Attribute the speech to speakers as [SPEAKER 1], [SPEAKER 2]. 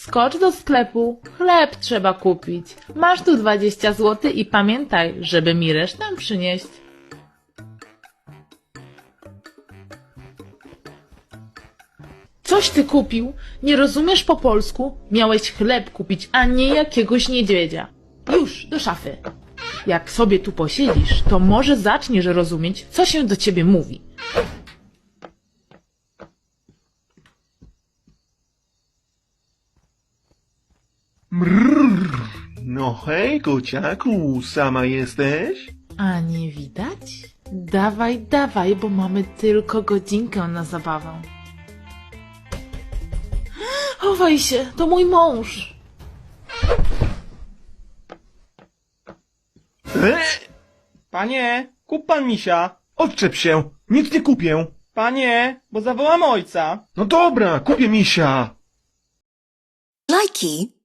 [SPEAKER 1] Skocz do sklepu, chleb trzeba kupić. Masz tu 20 zł i pamiętaj, żeby mi resztę przynieść. Coś ty kupił? Nie rozumiesz po polsku? Miałeś chleb kupić, a nie jakiegoś niedźwiedzia. Już, do szafy. Jak sobie tu posiedzisz, to może zaczniesz rozumieć, co się do ciebie mówi.
[SPEAKER 2] Mrrr. No hej, kociaku, sama jesteś?
[SPEAKER 1] A nie widać? Dawaj, dawaj, bo mamy tylko godzinkę na zabawę. Chowaj się, to mój mąż.
[SPEAKER 3] Panie, kup pan misia.
[SPEAKER 2] Odczep się, nic nie kupię.
[SPEAKER 3] Panie, bo zawołam ojca.
[SPEAKER 2] No dobra, kupię misia.
[SPEAKER 4] Lajki.